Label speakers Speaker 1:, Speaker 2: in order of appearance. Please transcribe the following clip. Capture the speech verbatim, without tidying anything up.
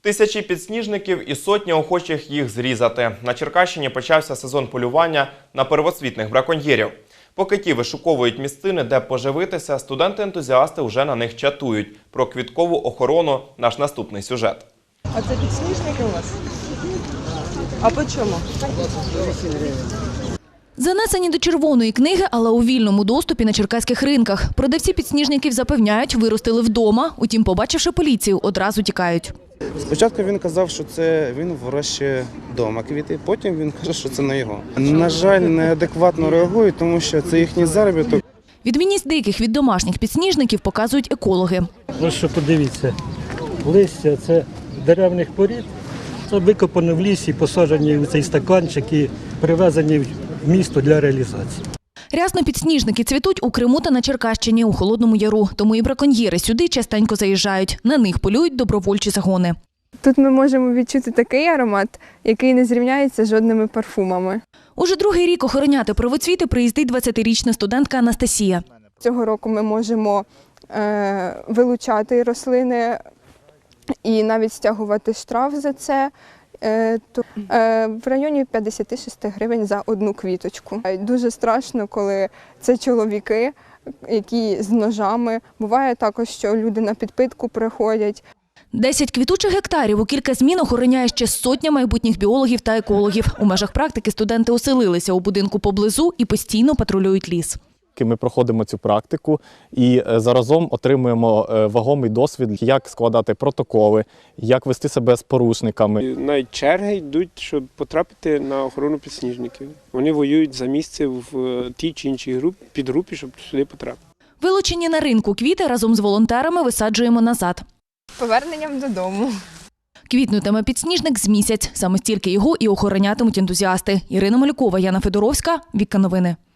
Speaker 1: Тисячі підсніжників і сотні охочих їх зрізати. На Черкащині почався сезон полювання на первоцвітних браконьєрів. Поки ті вишуковують місцини, де поживитися, студенти-ентузіасти вже на них чатують. Про квіткову охорону – наш наступний сюжет.
Speaker 2: А це підсніжники у вас? А по чому?
Speaker 3: Занесені до червоної книги, але у вільному доступі на черкаських ринках. Продавці підсніжників запевняють, виростили вдома, утім, побачивши поліцію, одразу тікають.
Speaker 4: Спочатку він казав, що це він вирощує вдома квіти, потім він каже, що це не його. На жаль, неадекватно реагують, тому що це їхній заробіток.
Speaker 3: Відмінність диких від домашніх підсніжників показують екологи.
Speaker 5: Ось що подивіться, листя – це деревних порід, це викопано в лісі, посаджені в цей стаканчик і привезені в місто для реалізації.
Speaker 3: Рясно підсніжники цвітуть у Криму та на Черкащині, у Холодному Яру. Тому і браконьєри сюди частенько заїжджають. На них полюють добровольчі загони.
Speaker 6: Тут ми можемо відчути такий аромат, який не зрівняється з жодними парфумами.
Speaker 3: Уже другий рік охороняти первоцвіти приїздить двадцятирічна студентка Анастасія.
Speaker 6: Цього року ми можемо е, вилучати рослини і навіть стягувати штраф за це. Е, то, е, в районі п'ятдесят шість гривень за одну квіточку. Дуже страшно, коли це чоловіки, які з ножами. Буває також, що люди на підпитку приходять.
Speaker 3: Десять квітучих гектарів у кілька змін охороняє ще сотня майбутніх біологів та екологів. У межах практики студенти оселилися у будинку поблизу і постійно патрулюють ліс.
Speaker 7: Ми проходимо цю практику і заразом отримуємо вагомий досвід, як складати протоколи, як вести себе з порушниками.
Speaker 8: Навіть черги йдуть, щоб потрапити на охорону підсніжників. Вони воюють за місце в тій чи іншій групі, підгрупі, щоб сюди потрапити.
Speaker 3: Вилучені на ринку квіти разом з волонтерами висаджуємо назад.
Speaker 6: Поверненням додому.
Speaker 3: Квітнутиме підсніжник з місяць. Саме стільки його і охоронятимуть ентузіасти. Ірина Малюкова, Яна Федоровська, Вікка Новини.